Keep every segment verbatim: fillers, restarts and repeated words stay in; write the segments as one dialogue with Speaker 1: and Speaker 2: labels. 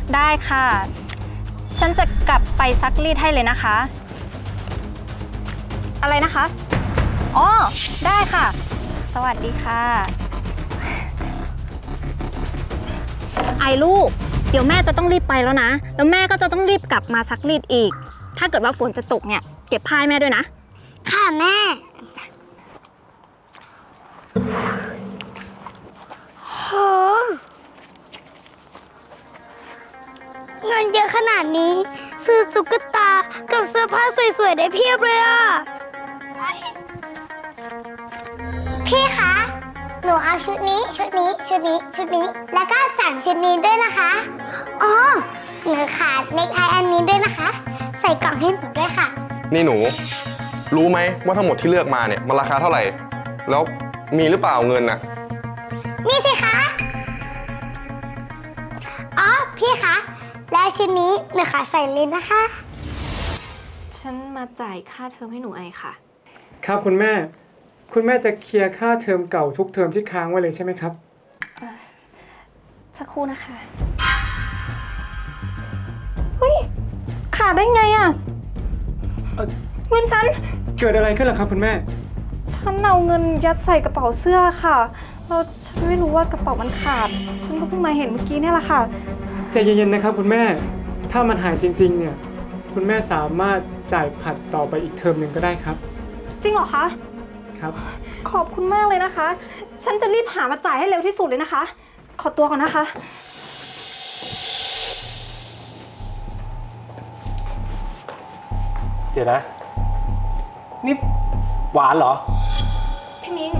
Speaker 1: ได้ค่ะฉันจะกลับไปซักรีดให้เลยนะคะอะไรนะคะอ๋อได้ค่ะสวัสดีค่ะไอ้ลูกเดี๋ยวแม่จะต้องรีบไปแล้วนะแล้วแม่ก็จะต้องรีบกลับมาซักรีดอีกถ้าเกิดว่าฝนจะตกเนี่ยเก็บผ้าให้แม่ด้วยนะ
Speaker 2: ค่ะแม่โหเงินเยอะขนาดนี้ซื้อตุ๊กตากับเสื้อผ้าสวยๆได้เพียบเลยอ่ะพี่คะหนูเอาชุดนี้ชุดนี้ชุดนี้ชุดนี้แล้วก็สั่งชุดนี้ด้วยนะคะอ๋อหนูขาดเนคไทอันนี้ด้วยนะคะใส่กล่องให้หนูด้วยค่ะ
Speaker 3: นี่หนูรู้ไหมว่าทั้งหมดที่เลือกมาเนี่ยมันราคาเท่าไหร่แล้วมีหรือเปล่าเงินน่ะ
Speaker 2: มีสิคะอ๋อพี่คะแล้วชุดนี้หนูขอใส่เลยนะคะ
Speaker 1: ฉันมาจ่ายค่าเทอมให้หนูไอค่ะ
Speaker 4: ครับคุณแม่คุณแม่จะเคลียร์ค่าเทอมเก่าทุกเทอมที่ค้างไว้เลยใช่ไหมครับ
Speaker 1: สักครู่นะคะเฮ้ยขาดได้ไงอ่ะเงินฉัน
Speaker 4: เกิดอะไรขึ้นล่ะครับคุณแม่
Speaker 1: ฉันเอาเงินยัดใส่กระเป๋าเสื้อค่ะแล้วฉันไม่รู้ว่ากระเป๋ามันขาดฉันก็เพิ่งมาเห็นเมื่อกี้เนี่ยแหละค่ะ
Speaker 4: ใจเย็นๆนะครับคุณแม่ถ้ามันหายจริงๆเนี่ยคุณแม่สามารถจ่ายผัดต่อไปอีกเทอมหนึ่งก็ได้ครับ
Speaker 1: จริงเหรอคะ
Speaker 4: ครับ
Speaker 1: ขอบคุณมากเลยนะคะฉันจะรีบหามาจ่ายให้เร็วที่สุดเลยนะคะขอตัวก่อนนะคะ
Speaker 5: เดี๋ยวนะนี่หวานเหรอ
Speaker 1: พี่มิ้ง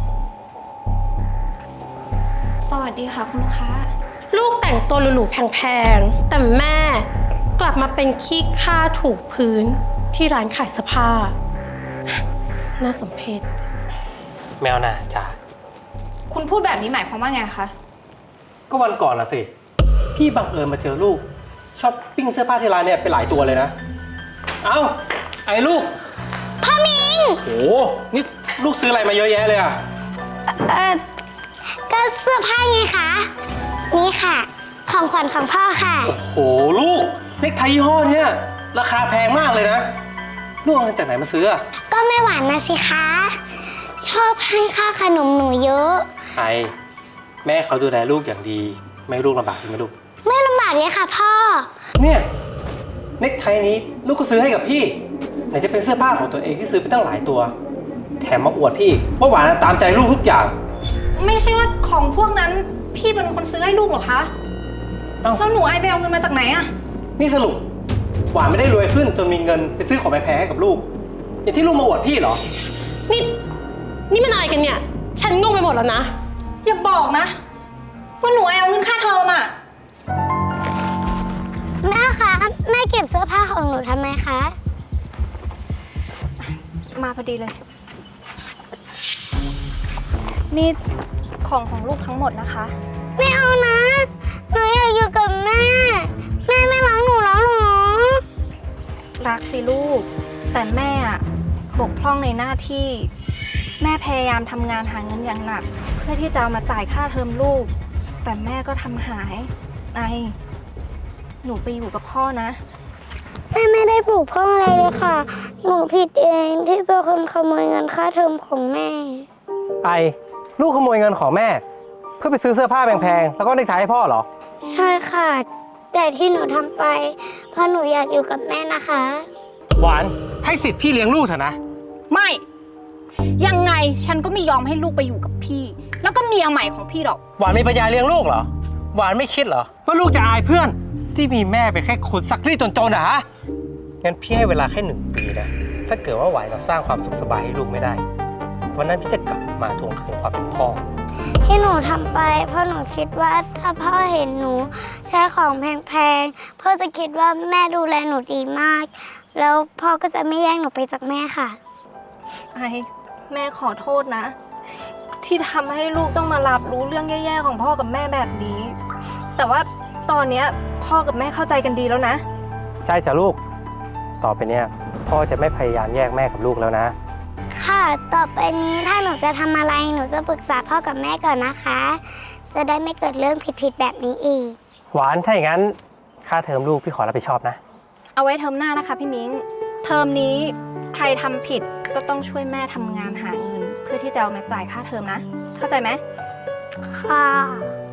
Speaker 1: สวัสดีค่ะคุณลูกค้า
Speaker 6: ลูกแต่งตัวหรูๆแพงๆแต่แม่กลับมาเป็นขี้ข้าถูพื้นที่ร้านขายเสื้อผ้าน่าสมเพช
Speaker 5: แมวน่ะจ้า
Speaker 1: คุณพูดแบบนี้หมายความว่าไงคะ
Speaker 5: ก็วันก่อนนะสิพี่บังเอิญมาเจอลูกช้อปปิ้งเสื้อผ้าที่ร้านเนี่ยไปหลายตัวเลยนะเอ้าไอ้ลูก
Speaker 2: พ่อมิง
Speaker 5: โอ้นี่ลูกซื้ออะไรมาเยอะแยะเลยอ่ะ
Speaker 2: เออก็เสื้อผ้าไงคะนี่ค่ะของขวัญของพ่อค่ะ
Speaker 5: โอ้โหลูกเน็กไทยี่ห้อเนี่ยราคาแพงมากเลยนะลูกเอาเงินจากไหนมาซื้อ
Speaker 2: ก็แม่หวานนะสิคะชอบให้ค่าขนมหนูเยอะ
Speaker 5: ไอแม่เขาดูแลลูกอย่างดีไม่ลูกลำบากใช่ไหมลูก
Speaker 2: ไม่ลำบากเลยค่ะพ่อ
Speaker 5: เนี่ยเน็กไทนี้ลูกก็ซื้อให้กับพี่ไหนจะเป็นเสื้อผ้าของตัวเองที่ซื้อไปตั้งหลายตัวแถมมาอวดพี่ว่าหวานตามใจลูกทุกอย่าง
Speaker 1: ไม่ใช่ว่าของพวกนั้นพี่เป็นคนซื้อให้ลูกหรอคะแล้วหนูไอไปเอาเงินมาจากไหนอะ
Speaker 5: นี่สรุปหวานไม่ได้รวยขึ้นจนมีเงินไปซื้อของแพงๆให้กับลูกอย่างที่ลูกมาอวดพี่เหรอ
Speaker 6: นี่นี่มันอะไรกันเนี่ยฉันงงไปหมดแล้วนะ
Speaker 1: อย่าบอกนะว่าหนูไอเอาเงินค่าเทอมอะ
Speaker 2: แม่คะแม่เก็บเสื้อผ้าของหนูทำไมคะ
Speaker 1: มาพอดีเลยนี่ของของลูกทั้งหมดนะคะ
Speaker 2: ไม่เอานะหนูอยากอยู่กับแม่แม่ไม่รักหนูแล้วหรอ
Speaker 1: รักสิลูกแต่แม่บกพร่องในหน้าที่แม่พยายามทำงานหาเงินอย่างหนักเพื่อที่จะเอามาจ่ายค่าเทอมลูกแต่แม่ก็ทำหายไอหนูไปอยู่กับพ่อนะ
Speaker 2: แม่ไม่ได้ปลูกพ่ออะไรเลยค่ะหนูผิดเองที่เป็นคนขโมยเงินค่าเทอมของแม่
Speaker 5: ไอลูกขโมยเงินของแม่เพื่อไปซื้อเสื้อผ้าแพงๆแล้วก็เน็กไทให้พ่อเหรอ
Speaker 2: ใช่ค่ะแต่ที่หนูทำไปเพราะหนูอยากอยู่กับแม่นะคะ
Speaker 5: หวานให้สิทธิ์พี่เลี้ยงลูกเถอะนะ
Speaker 1: ไม่ยังไงฉันก็ไม่ยอมให้ลูกไปอยู่กับพี่แล้วก็เมียใหม่ของพี่หรอก
Speaker 5: หวานมีปัญญาเลี้ยงลูกเหรอหวานไม่คิดเหรอว่าลูกจะอายเพื่อนที่มีแม่เป็นแค่คนซักรีดจนๆนะฮะงั้นพี่ให้เวลาแค่หนึ่งปีนะถ้าเกิดว่าหวานจะสร้างความสุขสบายให้ลูกไม่ได้วันนั้นพี่จะกลับมาทวงคืนความเป็นพ่อ
Speaker 2: ที่หนูทำไปเพราะหนูคิดว่าถ้าพ่อเห็นหนูใช้ของแพงๆพ่อจะคิดว่าแม่ดูแลหนูดีมากแล้วพ่อก็จะไม่แย่งหนูไปจากแม่ค่ะ
Speaker 1: ไอแม่ขอโทษนะที่ทำให้ลูกต้องมารับรู้เรื่องแย่ๆของพ่อกับแม่แบบนี้แต่ว่าตอนนี้พ่อกับแม่เข้าใจกันดีแล้วนะ
Speaker 5: ใช่จ้ะลูกต่อไปเนี้ยพ่อจะไม่พยายามแยกแม่กับลูกแล้วนะ
Speaker 2: ค่ะต่อไปนี้ถ้าหนูจะทำอะไรหนูจะปรึกษาพ่อกับแม่ก่อนนะคะจะได้ไม่เกิดเรื่องผิดๆแบบนี้อีก
Speaker 5: หวานถ้าอย่างนั้นค่าเทอมลูกพี่ขอรับผิดชอบนะ
Speaker 1: เอาไว้เทอมหน้านะคะพี่มิ้ง เทอมนี้ใครทำผิดก็ต้องช่วยแม่ทำงานหาเงิน เพื่อที่จะเอามาจ่ายค่าเทอมนะ เข้าใจไหม
Speaker 2: ค่ะ